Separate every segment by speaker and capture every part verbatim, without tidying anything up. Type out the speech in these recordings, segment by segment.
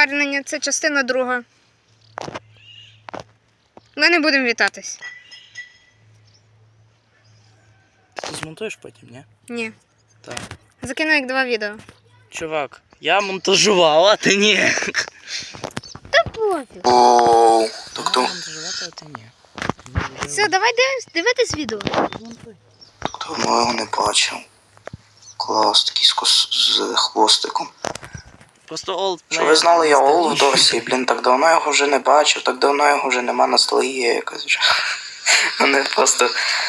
Speaker 1: повернення, це частина друга. Ми не будемо вітатись.
Speaker 2: Ти змонтуєш потім, ні?
Speaker 1: Ні.
Speaker 2: Так.
Speaker 1: Закину як два відео.
Speaker 2: Чувак, я монтажував, а ти ні.
Speaker 1: Та пофіг.
Speaker 3: Ооо,
Speaker 2: Так
Speaker 3: хто?
Speaker 2: монтажувати, а ти ні.
Speaker 1: Все, давай дивись, дивитись відео.
Speaker 3: Давно його не бачив. Клас, такий з, кос... з хвостиком.
Speaker 2: Просто олд.
Speaker 3: Що ви знали, я Ол в Дорсі, блін, так давно його вже не бачив, так давно його вже нема, ностальгія якась вже. Вони просто...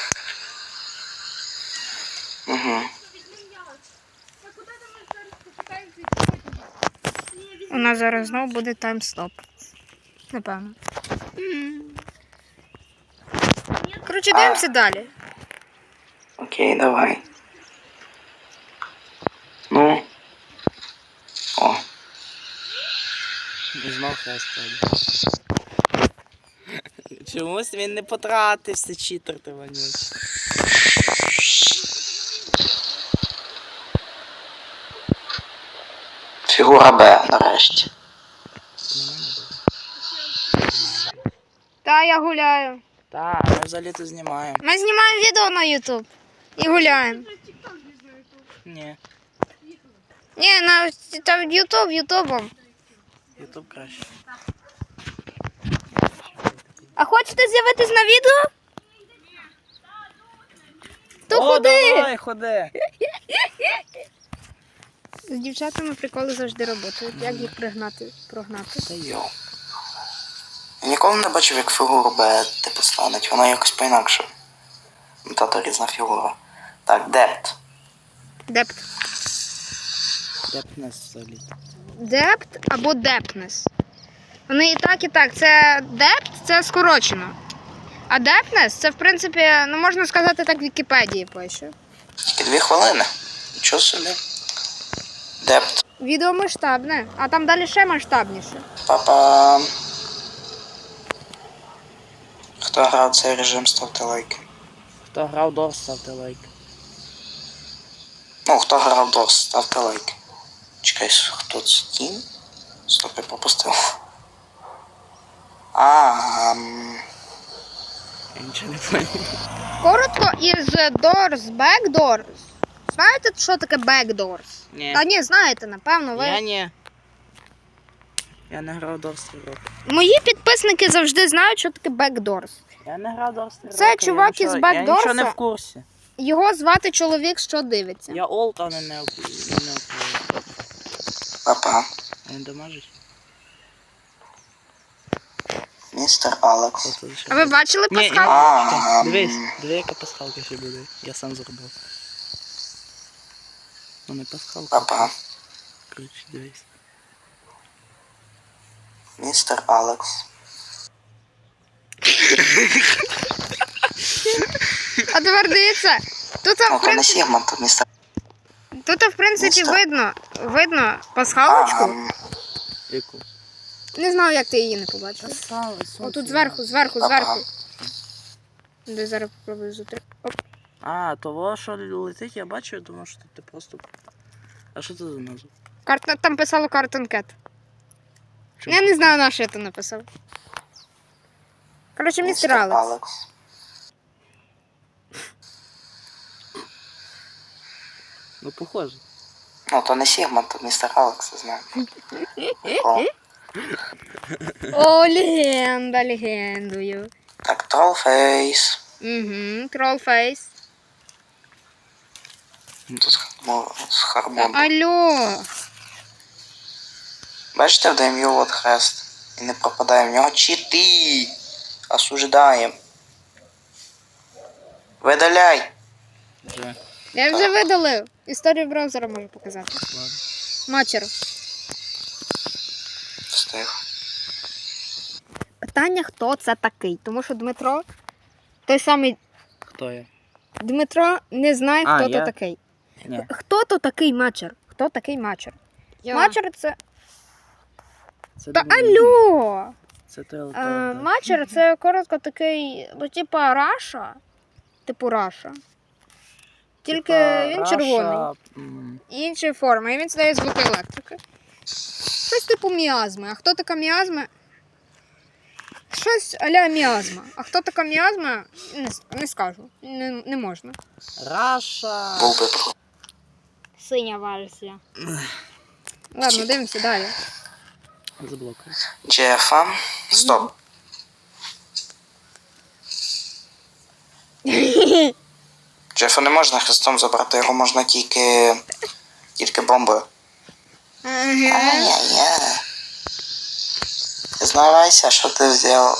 Speaker 3: Угу.
Speaker 1: У нас зараз знову буде таймстоп. Напевно. Коротше, дивимося далі.
Speaker 3: Окей, давай. Ну. О.
Speaker 2: Знов хрест тоді. Чомусь він не потратився, читер ти вонючий.
Speaker 3: Фігура Б, нарешті.
Speaker 1: Та, я гуляю.
Speaker 2: Так, ми взагалі тут знімаємо.
Speaker 1: Ми знімаємо відео на ютуб. І гуляємо.
Speaker 2: Ні,
Speaker 1: Ні, на там ютуб, ютубом.
Speaker 2: ютуб краще.
Speaker 1: А хочете з'явитись на відео? То
Speaker 2: О,
Speaker 1: ходи!
Speaker 2: давай, ходи.
Speaker 1: З дівчатами приколи завжди працюють. Як їх пригнати, прогнати?
Speaker 2: Та йо.
Speaker 3: Йоу. Я ніколи не бачив, як фігуру Б типу стануть. Вона якось по-інакше. Тато різна фігура. Так, депт.
Speaker 1: Депт.
Speaker 2: Як нас взагалі?
Speaker 1: Депт або депнес. Вони і так, і так. Це депт, це скорочено. А депнес, це, в принципі, ну можна сказати, так в Вікіпедії пише.
Speaker 3: Тільки дві хвилини. Нічого собі. Депт.
Speaker 1: Відео масштабне, а там далі ще масштабніше.
Speaker 3: Па-па. Хто грав цей режим, ставте лайки.
Speaker 2: Хто грав Дорс, ставте лайк.
Speaker 3: Ну, хто грав Дорс, ставте лайки. Чекай, хто це? Тім? Стоп, я пропустив. А, ам...
Speaker 2: Я нічого не поняв.
Speaker 1: Коротко, із doors, backdoors. Знаєте, що таке backdoors?
Speaker 2: Ні.
Speaker 1: Та ні, знаєте, напевно, ви.
Speaker 2: Я ні. Я не грав Дорс три роки.
Speaker 1: Мої підписники завжди знають, що таке backdoors.
Speaker 2: Я не грав Дорс три роки.
Speaker 1: Це чувак
Speaker 2: я
Speaker 1: із
Speaker 2: нічого- Я нічого
Speaker 1: Бекдорса.
Speaker 2: не в курсі.
Speaker 1: Його звати чоловік, що дивиться.
Speaker 2: Я олд, а не не не
Speaker 3: Па-па.
Speaker 2: Він дамажить.
Speaker 3: Містер Алекс.
Speaker 2: Хто це ще
Speaker 1: А ви
Speaker 2: буде?
Speaker 1: бачили
Speaker 2: Ні, ні,
Speaker 1: пасхалку?
Speaker 3: А,
Speaker 2: чекай, дивись,
Speaker 3: м.
Speaker 2: диви, яка пасхалка ще буде. Я сам зробив. Ну не пасхалка.
Speaker 3: Па-па.
Speaker 2: Короче, дивись.
Speaker 3: Містер Алекс.
Speaker 1: А тепер дивіться. Тут,
Speaker 3: Ну,
Speaker 1: в
Speaker 3: то не
Speaker 1: принципі,
Speaker 3: Сігма, то містер.
Speaker 1: тут, в принципі,
Speaker 3: Містер.
Speaker 1: видно, видно пасхалочку.
Speaker 3: Ам,
Speaker 2: Яку?
Speaker 1: Не знаю, як ти її не побачив. О, тут зверху, зверху,
Speaker 3: Ага.
Speaker 1: зверху. Де зараз попробую зутри. Оп.
Speaker 2: А, того, що летить, я бачу, я думав, що ти просто... А що це за назва?
Speaker 1: Карт... Там писало Cartoon Cat.
Speaker 2: Чому?
Speaker 1: Я не знаю, на що я то написав. Коротше, містер
Speaker 3: містер
Speaker 1: Алекс.
Speaker 3: Алекс.
Speaker 2: Ну, похоже.
Speaker 3: Ну, то не Сігма, то містер Алекс, я знаю. Прикол.
Speaker 1: О, легенда, легендою.
Speaker 3: Так, Тролфейс.
Speaker 1: Угу, Тролфейс.
Speaker 3: Тут з Хармо- з Хармоном.
Speaker 1: Алло.
Speaker 3: Бачите, вдаємо його от хрест. І не пропадає в нього. Чити! Осуждаєм. Видаляй!
Speaker 2: Вже.
Speaker 1: Я вже видалив. Історію браузера можу показати.
Speaker 2: Ладно.
Speaker 1: Матчер.
Speaker 3: Встиг.
Speaker 1: Питання, хто це такий. Тому що Дмитро, той самий
Speaker 2: Хто я?
Speaker 1: Дмитро не знає,
Speaker 2: А,
Speaker 1: хто
Speaker 2: я?
Speaker 1: то такий.
Speaker 2: Ні.
Speaker 1: Хто то такий матчер? Хто такий матчер?
Speaker 4: Я.
Speaker 1: Матчер це.
Speaker 2: Це
Speaker 1: Та
Speaker 2: Дмитро.
Speaker 1: алло!
Speaker 2: Це той
Speaker 1: Е,
Speaker 2: електронний.
Speaker 1: матчер це коротко такий, ну, типа Раша. Типу Раша. Тільки
Speaker 2: Типа
Speaker 1: він
Speaker 2: Раша,
Speaker 1: червоний.
Speaker 2: м,
Speaker 1: І іншої форми. І він здає звуки електрики. щось типу міазми. А хто така міазма? Щось а-ля міазма. А хто така міазма? Не, не скажу. Не, не можна.
Speaker 2: Раша.
Speaker 3: Був би про.
Speaker 1: Синя версія. Ладно, дивимося далі.
Speaker 2: Заблокуй.
Speaker 3: Джефа. Стоп. Джефа не можна хрестом забрати, його можна тільки. тільки бомбою.
Speaker 1: Ага.
Speaker 3: Ай-яй-яй. Признавайся, що ти взяв.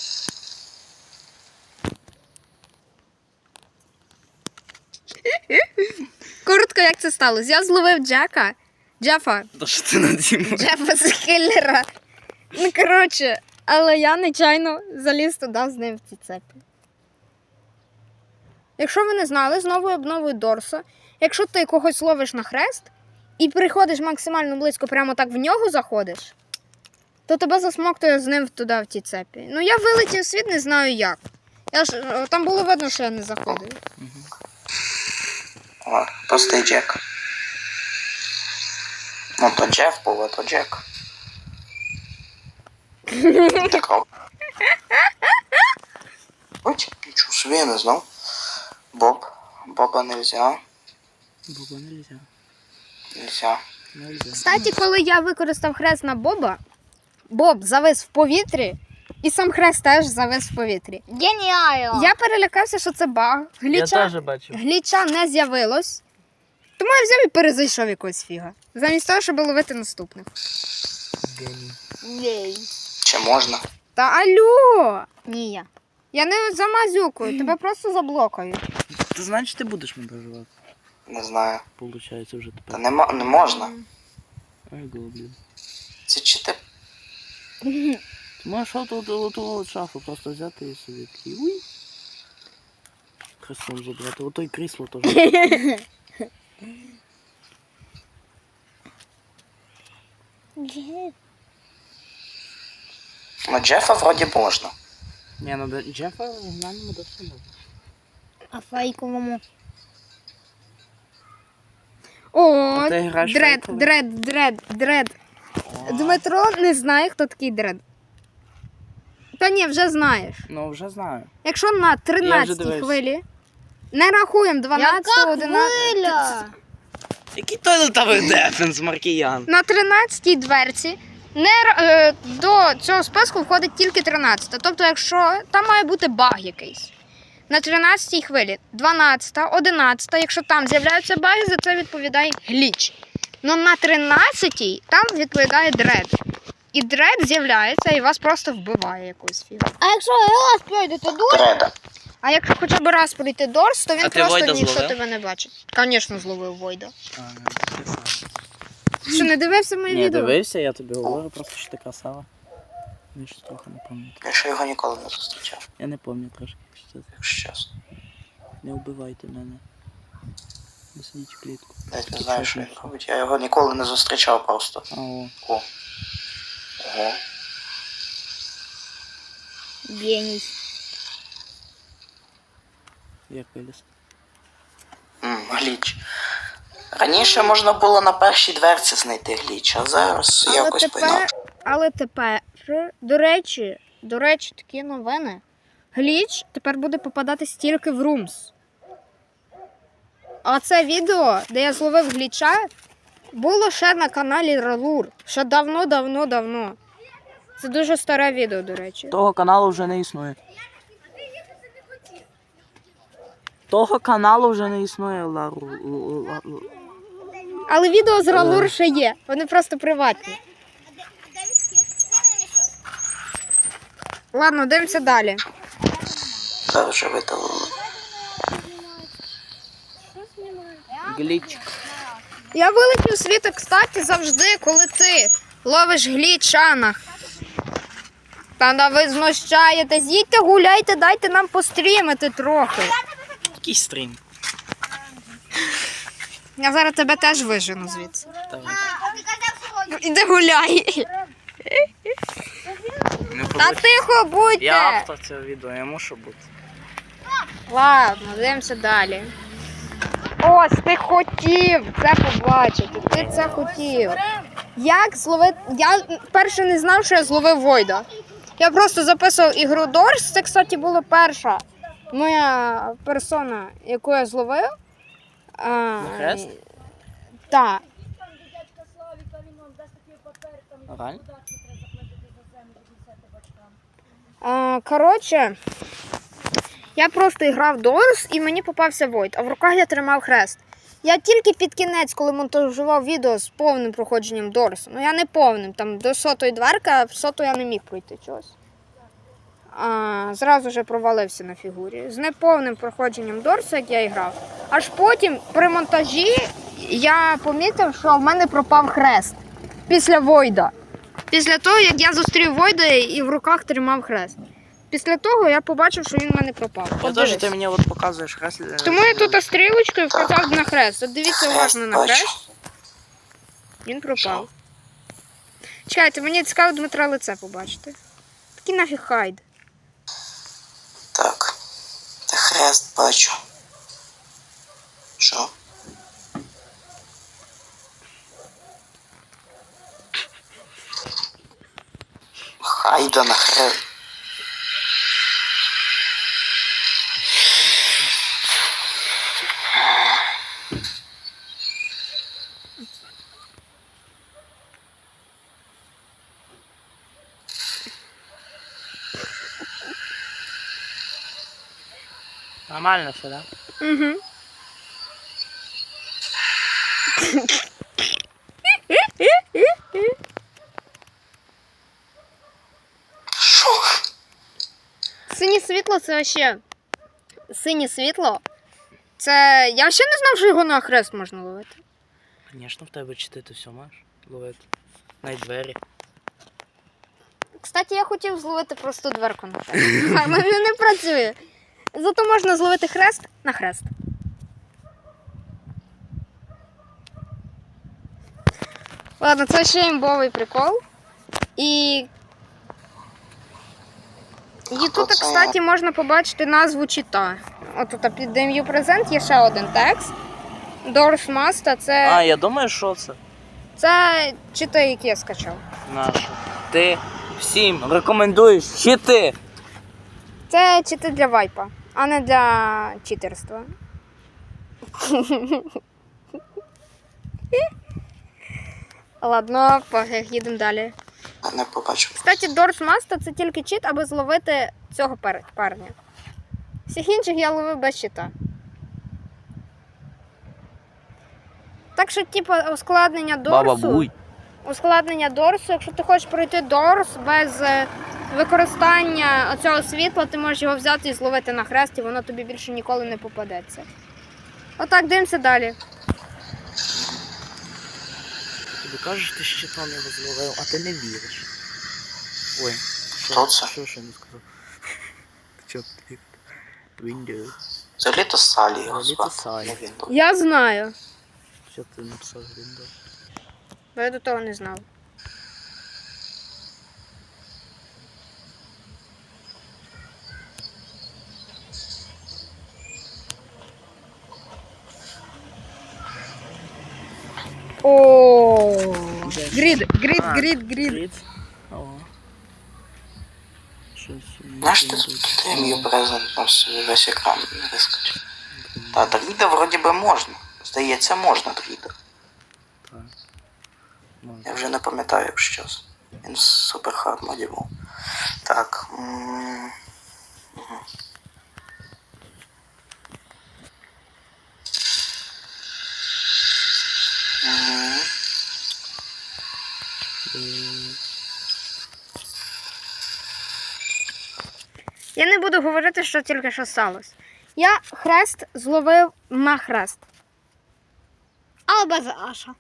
Speaker 1: Коротко, як це сталося? Я зловив Джека. Джефа.
Speaker 2: Та що ти надімав?
Speaker 1: Джефа з киллера. Ну, коротше, але я нечайно заліз туди з ним в ці цепи. Якщо ви не знали, з новою обновою Дорса, якщо ти когось ловиш на хрест і приходиш максимально близько, прямо так в нього заходиш, то тебе засмоктує з ним туди в ті цепі. Ну, я вилетів в світ, не знаю як. Я ж, там було видно, що я не заходив.
Speaker 3: О, простий Джек. Ну, то Джеф був, а то Джек. Так. Ось, нічого собі, я не знав. Боб. Боба не взяв.
Speaker 2: Боба нельзя.
Speaker 3: Нельзя.
Speaker 2: Нельзя.
Speaker 1: Кстати, коли я використав хрест на Боба, Боб завис в повітрі, і сам хрест теж завис в повітрі.
Speaker 4: Геніально!
Speaker 1: Я перелякався, що це баг.
Speaker 2: Я
Speaker 1: Гліча,
Speaker 2: теж бачив.
Speaker 1: гліча не з'явилось. Тому я взяв і перезайшов якогось фіга. Замість того, щоб ловити наступних.
Speaker 2: Геній.
Speaker 4: Єй.
Speaker 3: Чи можна?
Speaker 1: Та алло! Ні, я. Я не замазюкую, тебе просто заблокають.
Speaker 2: Ти знаєш, ти будеш монтажувати.
Speaker 3: Не знаю.
Speaker 2: Получається вже
Speaker 3: Та
Speaker 2: тепер.
Speaker 3: не, мо- не можна.
Speaker 2: Ай, блін.
Speaker 3: Це чи ти.
Speaker 2: Ти можеш оту оту шафу просто взяти і собі такий. Уй. Хрестом забрати. Ото й крісло теж.
Speaker 3: Ну, Джефа вроді можна.
Speaker 2: Ні, ну до Джефа гнаному до всього.
Speaker 4: А фейковому?
Speaker 1: О,
Speaker 2: А ти граєш
Speaker 1: дред,
Speaker 2: фейковий?
Speaker 1: дред, дред, дред. Дмитро не знає, хто такий дред. Та ні, вже знаєш.
Speaker 2: Ну, вже знаю.
Speaker 1: Якщо на тринадцятій
Speaker 2: дивився.
Speaker 1: хвилі, не рахуємо дванадцяту,
Speaker 4: Яка
Speaker 1: одинадцяту.
Speaker 4: хвиля?
Speaker 2: Який той летавий дефенс, Маркіян?
Speaker 1: На тринадцятій дверці не, ра- е, до цього списку входить тільки тринадцята. Тобто, якщо там має бути баг якийсь. На тринадцятій хвилі дванадцята, одинадцята, якщо там з'являються баги, за це відповідає гліч. Ну на тринадцятій там відповідає дред. І дред з'являється і вас просто вбиває якусь фігу.
Speaker 4: А якщо раз пройдете дур,
Speaker 3: Дреда.
Speaker 1: А якщо хоча б раз пройти Дорс, то він
Speaker 2: А ти
Speaker 1: просто
Speaker 2: Войда
Speaker 1: ніхто
Speaker 2: зловив?
Speaker 1: тебе не бачить. Звісно, зловив Войда.
Speaker 2: А,
Speaker 1: Що, не дивився моє
Speaker 2: Ні,
Speaker 1: відео?
Speaker 2: дивився, я тобі говорю, просто що ти красава. Я щось трохи не пам'ятаю.
Speaker 3: Я ще його ніколи не зустрічав,
Speaker 2: Я не пам'ятаю трошки, що це.
Speaker 3: якщо чесно.
Speaker 2: Не вбивайте мене. Не сидіть в клітку.
Speaker 3: Навіть не знаю, що він робить. Я його ніколи не зустрічав просто.
Speaker 2: А, о.
Speaker 3: О. Ого.
Speaker 4: геній.
Speaker 2: Як виліз.
Speaker 3: Ммм, гліч. Раніше можна було на першій дверці знайти гліч, а зараз
Speaker 1: Але
Speaker 3: якось
Speaker 1: тепер,
Speaker 3: по-інакше.
Speaker 1: але тепер, до речі, до речі, такі новини. Гліч тепер буде попадатись тільки в Rooms. А це відео, де я зловив гліча, було ще на каналі Ралур. Ще давно-давно-давно. Це дуже старе відео, до речі.
Speaker 2: Того каналу вже не існує. Того каналу вже не існує, Лару. Л- Ла- Ла-
Speaker 1: Але відео з Ралур ще є. Вони просто приватні. Ладно, дивимося далі.
Speaker 3: Зараз вже видалили.
Speaker 2: Гліч.
Speaker 1: Я вилетів з світу, кстати, завжди, коли ти ловиш глічанах. Та да ви знущаєтесь, їдьте гуляйте, дайте нам пострімити трохи.
Speaker 2: Який стрім?
Speaker 1: Я зараз тебе теж вижену звідси.
Speaker 2: Давай.
Speaker 1: Іди гуляй.
Speaker 2: Не
Speaker 1: Та
Speaker 2: побачиш.
Speaker 1: тихо будьте.
Speaker 2: Я автор цього відео, я мушу бути.
Speaker 1: Ладно, дивимося далі. Ось, ти хотів це побачити. Ти це хотів. Як зловити. Я перше не знав, що я зловив Войда. Я просто записував ігру Дорс. Це, кстати, була перша моя персона, яку я зловив. А,
Speaker 2: На хрест?
Speaker 1: Так.
Speaker 2: Реально?
Speaker 1: А, коротше, я просто грав Дорс і мені попався Войд, а в руках я тримав хрест. Я тільки під кінець, коли монтажував відео з повним проходженням Дорсу. Ну я не повним, там до сотої дверки, а в соту я не міг пройти чогось. А, зразу же провалився на фігурі. З неповним проходженням Дорсу, як я і грав. Аж потім при монтажі я помітив, що в мене пропав хрест після Войда. Після того, як я зустрів Войда і в руках тримав хрест. Після того я побачив, що він в мене пропав.
Speaker 2: Я
Speaker 1: От
Speaker 2: теж,
Speaker 1: дивись.
Speaker 2: ти мені от показуєш хрест. е,
Speaker 1: Тому я тут стрілочкою вказав на хрест. От дивіться уважно на
Speaker 3: бачу.
Speaker 1: хрест. Він пропав. Чекайте, мені цікаво Дмитра лице побачити. Такий нафіг хайд.
Speaker 3: Так. Та хрест бачу. Що? Хайда на хрест.
Speaker 2: Нормально все, да?
Speaker 1: Угу.
Speaker 3: Що?
Speaker 1: Синє світло це ще. Синє світло. Це. Я ще не знав, що його на хрест можна ловити.
Speaker 2: Звісно, в тебе чити, ти все маєш ловити. Навіть двері.
Speaker 1: Кстати, я хотів зловити просто дверку на хрест. А в мене не працює. Зато можна зловити хрест на хрест. Ладно, це ще імбовий прикол. І. І тут, кстати, можна побачити назву чита. От тут під Demu Present є ще один текст. Doors Must, це.
Speaker 2: А, я думаю, що це?
Speaker 1: Це чити, які я скачав.
Speaker 2: Наше. Ти всім рекомендуєш чити.
Speaker 1: Це чити для вайпа, а не для читерства. Ладно, пофіг, їдемо далі.
Speaker 3: Я не побачив.
Speaker 1: Кстати, Doors Must це тільки чит, аби зловити цього пар- парня. Всіх інших я ловив без чита. Так що, типу, ускладнення Дорсу. Ускладнення Дорсу, якщо ти хочеш пройти Дорс без е, використання оцього світла, ти можеш його взяти і зловити на хрест, і воно тобі більше ніколи не попадеться. Отак, дивимося далі.
Speaker 2: Тобі кажеш, ти щитом його зловив, а ти не віриш. Ой,
Speaker 3: Хто це?
Speaker 2: Що ще не сказав? Чо ти? Windows.
Speaker 3: Взагалі то Салі його
Speaker 2: Взагалі-то
Speaker 3: звати.
Speaker 2: Салі.
Speaker 3: Не він був.
Speaker 1: Я знаю,
Speaker 2: Що ти написав Windows?
Speaker 1: бо я до того не знав. О, грід, грід,
Speaker 2: А,
Speaker 1: грід, грід.
Speaker 2: Грід. О. Щось.
Speaker 3: Знаєш, ти тут Demu Present там собі весь екран не вискочив. Та Дріда вроді би можна. Здається, можна Дріда.
Speaker 2: Так. Можна.
Speaker 3: Я вже не пам'ятаю, якщо чесно. Він в супер хард моді був. Так. м, мгм. Мгм.
Speaker 2: Е,
Speaker 1: Я не буду говорити, що тільки що сталося. Я хрест зловив на хрест. Але без аша.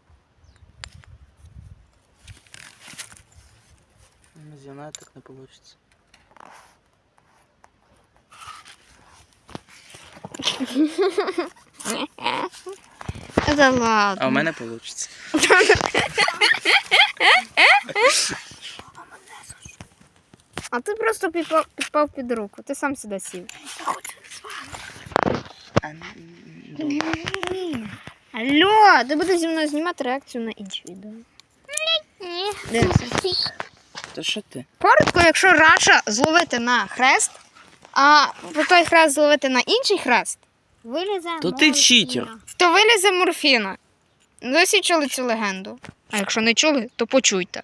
Speaker 2: Не знаю, так не вийде.
Speaker 1: Це ладно.
Speaker 2: А у мене вийде.
Speaker 1: А ти просто підпав, підпав під руку. Ти сам сюди сів. Алло, ти будеш зі мною знімати реакцію на інші відео.
Speaker 4: Ні.
Speaker 1: Дивимося.
Speaker 2: Та що ти?
Speaker 1: Коротко, якщо раша зловити на хрест, а по той хрест зловити на інший хрест,
Speaker 4: Вилізе.
Speaker 2: То ти читер.
Speaker 1: то вилізе морфіна. Ви всі чули цю легенду. А якщо не чули, то почуйте.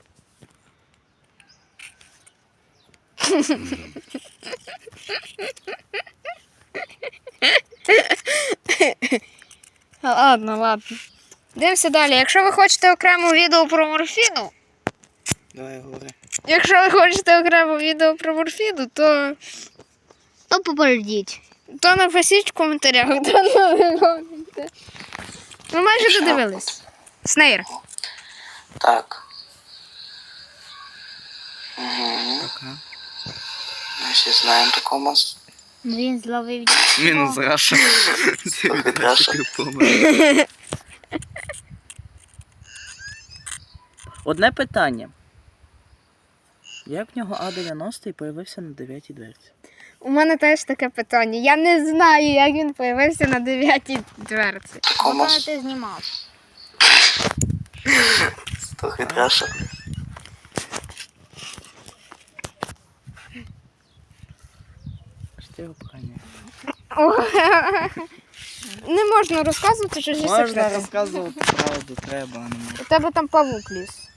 Speaker 1: Ладно, ладно. Дивимося далі. Якщо ви хочете окремо відео про морфіну,
Speaker 2: Давай говори.
Speaker 1: якщо ви хочете окремо відео про морфіну, то,
Speaker 4: То попередіть.
Speaker 1: то напишіть в коментарях, то не виходите. Ми майже додивились. Снейр.
Speaker 3: Так. Угу.
Speaker 2: Пока.
Speaker 3: Ми всі знаємо такого монстра.
Speaker 4: Він зловив.
Speaker 2: Мінус Раша.
Speaker 3: Від Раша.
Speaker 2: Одне питання. Як в нього А дев'яносто появився на дев'ятій дверці?
Speaker 1: У мене теж таке питання. Я не знаю, як він появився на дев'ятій дверці.
Speaker 3: Такого
Speaker 4: Коли
Speaker 3: монстра.
Speaker 4: ти знімав.
Speaker 3: Трохи від Раша.
Speaker 2: Що ти його поганяєш?
Speaker 1: Не можна розказувати чужі
Speaker 2: Можна
Speaker 1: секрети.
Speaker 2: розказувати правду, треба, а не можна.
Speaker 1: У тебе там павук ліс.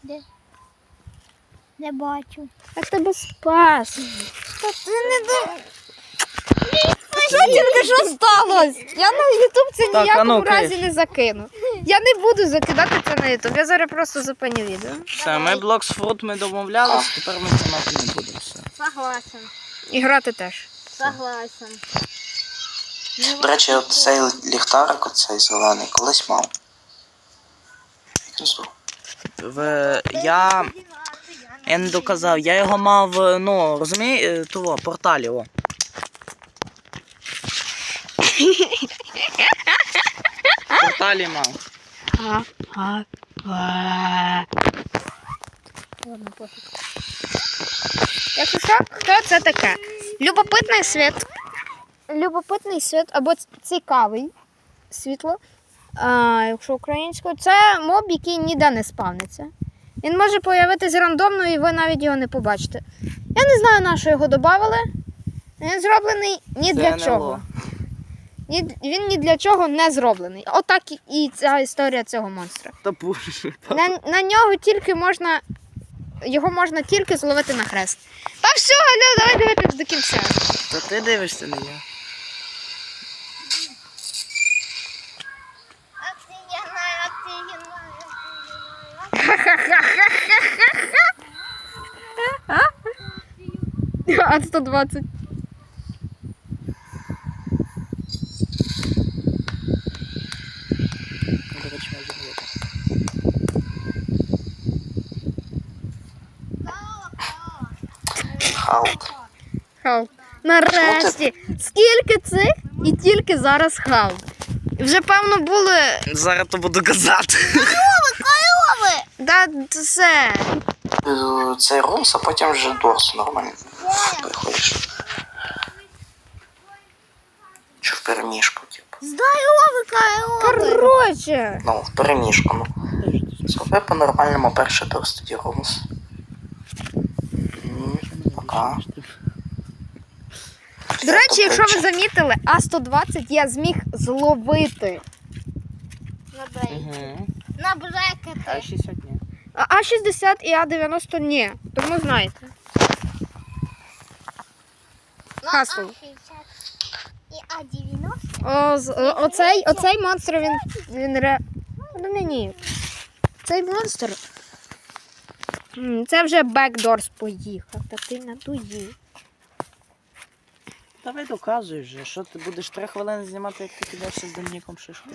Speaker 4: Не бачу.
Speaker 1: Я тебе спас. Та ти не до... Що тільки що сталося? Я на Ютуб це
Speaker 2: Так, а
Speaker 1: ніякому
Speaker 2: ну,
Speaker 1: разі
Speaker 2: Криш.
Speaker 1: не закину. Я не буду закидати це на Ютуб. Я зараз просто зупиню відео.
Speaker 2: Все, ми Блоксфрут ми домовлялися, тепер ми знімати не будемо. Все.
Speaker 4: Согласен.
Speaker 1: І грати теж.
Speaker 4: Согласен.
Speaker 3: До речі, от цей ліхтарик, оцей зелений, колись мав. Як він здох?
Speaker 2: В... Я... Я не доказав, я його мав, ну, розумієш, того, порталі, о. В порталі мав.
Speaker 4: Ладно, пофіг.
Speaker 1: Якщо що, хто це таке? Любопитний світ. Любопитний світ або ц- цікавий світло. А, якщо українською, це моб, який ніде не спавниться. Він може появитись рандомно і ви навіть його не побачите. Я не знаю, на що його додали. Він зроблений ні
Speaker 2: Це
Speaker 1: для
Speaker 2: ен ел о.
Speaker 1: чого. Ні, він ні для чого не зроблений. Отак і- і ця історія цього монстра.
Speaker 2: Та боже.
Speaker 1: На, на нього тільки можна. Його можна тільки зловити на хрест. Та все, Галя, давай дивитись до кінця.
Speaker 2: Та ти дивишся, не я.
Speaker 1: А сто двадцять.
Speaker 2: До речі, може бути.
Speaker 3: Халк.
Speaker 1: Халк. Нарешті. Скільки цих і тільки зараз Халк. Вже певно були.
Speaker 2: Зараз то буду казати.
Speaker 1: Да, це.
Speaker 3: Е, Цей румс, а потім вже дорс нормально. Приходиш. Чи в переміжку, типу.
Speaker 4: Здоровий Кайло.
Speaker 1: Короче.
Speaker 3: Ну, в переміжку, ну. Зроби по-нормальному перший дорс, тоді румс. М, Пока.
Speaker 1: До речі, якщо ви замітили, А сто двадцять я зміг зловити.
Speaker 2: Угу.
Speaker 4: На
Speaker 2: А
Speaker 4: брекети.
Speaker 2: шістдесят ні.
Speaker 1: А А шістдесят і А дев'яносто ні. Тому знаєте. Хасл.
Speaker 4: І А дев'яносто.
Speaker 1: О, з- о- оцей, оцей монстр, він, він ре... Ну, не, ні. Цей монстр. М, Це вже бекдорс поїхав, та ти надуїв.
Speaker 2: Давай доказуй вже, що ти будеш три хвилини знімати, як ти підеш з Домініком шишкою.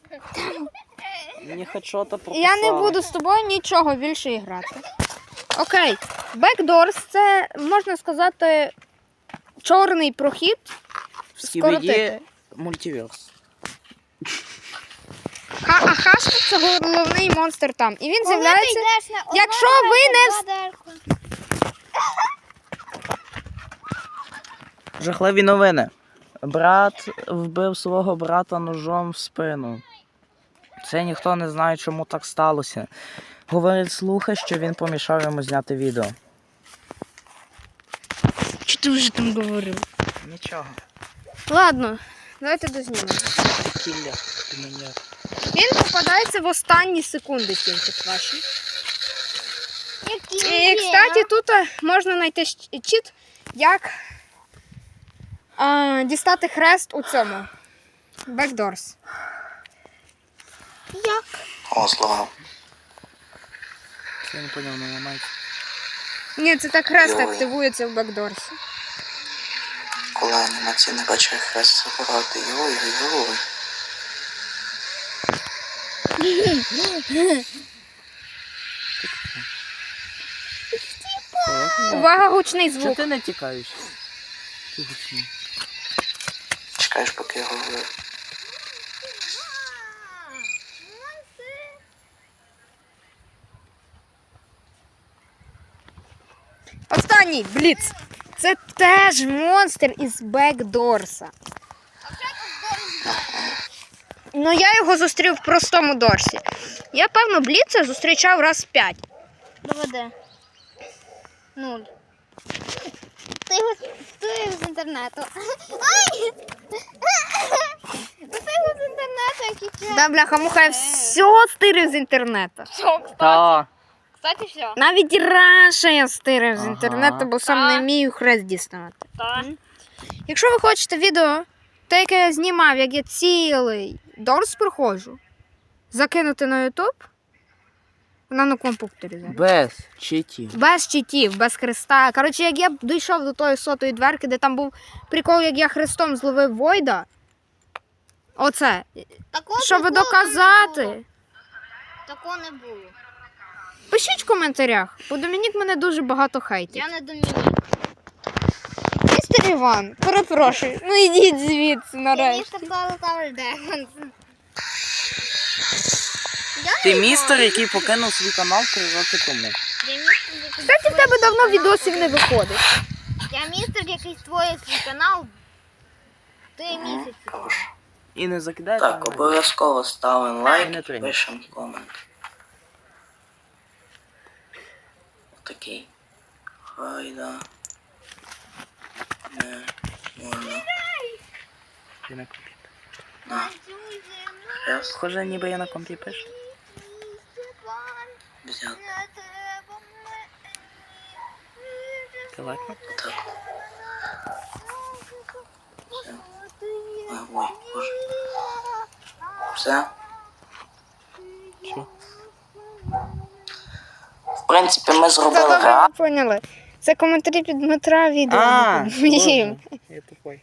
Speaker 2: Мені хоч що-то прописали.
Speaker 1: Я не буду з тобою нічого більше грати. Окей. Бекдорс це, можна сказати, чорний прохід.
Speaker 2: Скібіді
Speaker 1: Скоротити.
Speaker 2: мультиверс.
Speaker 1: Ха- а Хаску це головний монстр там. І він з'являється. Якщо ви не
Speaker 2: Жахливі новини. Брат вбив свого брата ножом в спину. Це ніхто не знає, чому так сталося. Говорить слухи, що він помішав йому зняти відео.
Speaker 1: Чи ти вже там говорив?
Speaker 2: Нічого.
Speaker 1: Ладно, давайте дознімемо.
Speaker 2: Кілля, ти мені.
Speaker 1: Він попадається в останні секунди тільки ваші. І, кстати, тут е, можна знайти щ- чіт, як а, дістати хрест у цьому. Backdoors.
Speaker 4: Як?
Speaker 3: О, слова.
Speaker 2: Я не поняв, не ламайте.
Speaker 1: Ні, це так хрест
Speaker 3: Йой.
Speaker 1: активується в Backdoors.
Speaker 3: Коли анімація не бачить хрест забирати. Йой-йой-йой.
Speaker 1: Увага, гучний
Speaker 2: Чого
Speaker 1: звук.
Speaker 2: ти не тікаєш? Ти гучний.
Speaker 3: Чекаєш, поки я говорю.
Speaker 1: Останній, Бліц. Це теж монстр із Backdoors. Ну, я його зустрів в простому дорсі. Я, певно, Бліца зустрічав раз п'ять.
Speaker 4: Доведе. Нуль. Ти його стирив з інтернету. Ай! Ти його з інтернету, який час.
Speaker 1: Да, бляха, муха, я все стирив з інтернету.
Speaker 2: Та.
Speaker 4: Кстати, все.
Speaker 1: Навіть і раніше я стирив з
Speaker 2: Ага.
Speaker 1: інтернету, бо сам не
Speaker 4: Так.
Speaker 1: вмію хрест діставати.
Speaker 4: Так.
Speaker 1: Якщо ви хочете відео, те, яке я знімав, як я цілий дорс проходжу, закинути на ютуб, вона на комп'ютері зараз.
Speaker 2: Без читів.
Speaker 1: Без читів, без хреста. Коротше, як я дійшов до тої сотої дверки, де там був прикол, як я хрестом зловив Войда. Оце.
Speaker 4: Такого
Speaker 1: Щоб
Speaker 4: такого не було.
Speaker 1: доказати.
Speaker 4: Такого не було.
Speaker 1: Пишіть в коментарях, бо Домінік мене дуже багато хейтить.
Speaker 4: Я не Домінік.
Speaker 1: Містер Іван, перепрошую, ну ідіть звідси
Speaker 4: Я
Speaker 1: нарешті.
Speaker 4: містер Tower Defense.
Speaker 2: Ти містер, який покинув свій канал три роки тому.
Speaker 4: Я містер, який
Speaker 1: Кстати, в тебе давно відосів не виходить.
Speaker 4: Я містер, який створює свій канал три місяці.
Speaker 3: Хорош.
Speaker 2: І не закидай.
Speaker 3: Так, обов'язково ставимо лайк
Speaker 2: Не
Speaker 3: і
Speaker 2: прийняв.
Speaker 3: пишемо комент. Отакий. Хайда. Не можна.
Speaker 2: Ти на комп'ютер.
Speaker 3: На. Хрест
Speaker 2: Схоже, ніби я на компі пишу.
Speaker 3: взяти.
Speaker 2: Ти лайкнув?
Speaker 3: Отак. Все. А, ой, боже. Все.
Speaker 2: Що?
Speaker 3: В принципі, ми зробили
Speaker 1: Та добре,
Speaker 3: реакцію.
Speaker 1: ви поняли. Це коментарі під Дмитра відео.
Speaker 2: А,
Speaker 1: не під моїм.
Speaker 2: Боже, я тупой.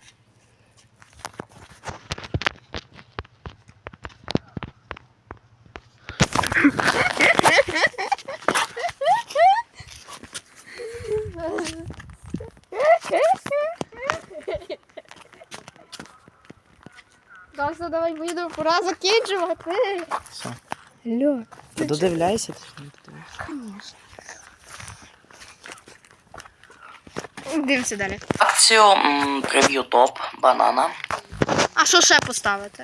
Speaker 1: Да, все, давай відео, пора закінчувати.
Speaker 2: Все.
Speaker 1: Алло.
Speaker 2: Ти додивляйся, ти ж не додивляйся.
Speaker 1: Дивимося далі.
Speaker 3: Акцію м, прев'ю топ банана.
Speaker 1: А що ще поставити?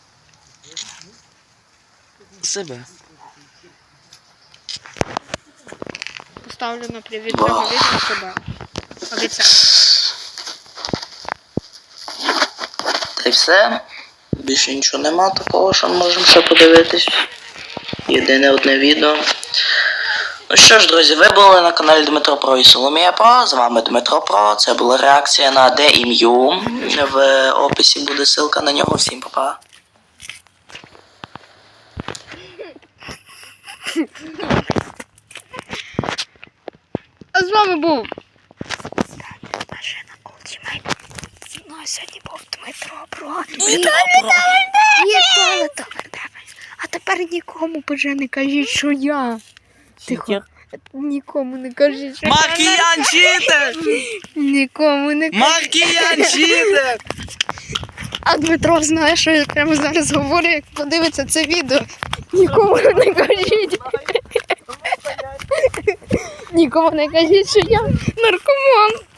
Speaker 2: Себе.
Speaker 1: Поставлю на привіт цього відео себе. Обіцяю.
Speaker 3: Та й все. Більше нічого нема такого, що ми можемо ще подивитись. Єдине одне відео. Ну що ж, друзі, ви були на каналі Дмитро Про і Соломія Про. З вами Дмитро Про. Це була реакція на ДІМ'ю. В описі буде ссылка на нього. Всім па-па.
Speaker 1: А з вами був Машина Ultimate. Зі мною сьогодні був Дмитро Про. Вітаю, А тепер нікому вже не кажіть, що я. Тихо. Нікому не кажіть, що я.
Speaker 2: Маркіян читер!
Speaker 1: Нікому не кажіть.
Speaker 2: Маркіян читер!
Speaker 1: А Дмитро знає, що я прямо зараз говорю, як подивиться це відео. Нікому не кажіть. Нікому не кажіть, що я наркоман.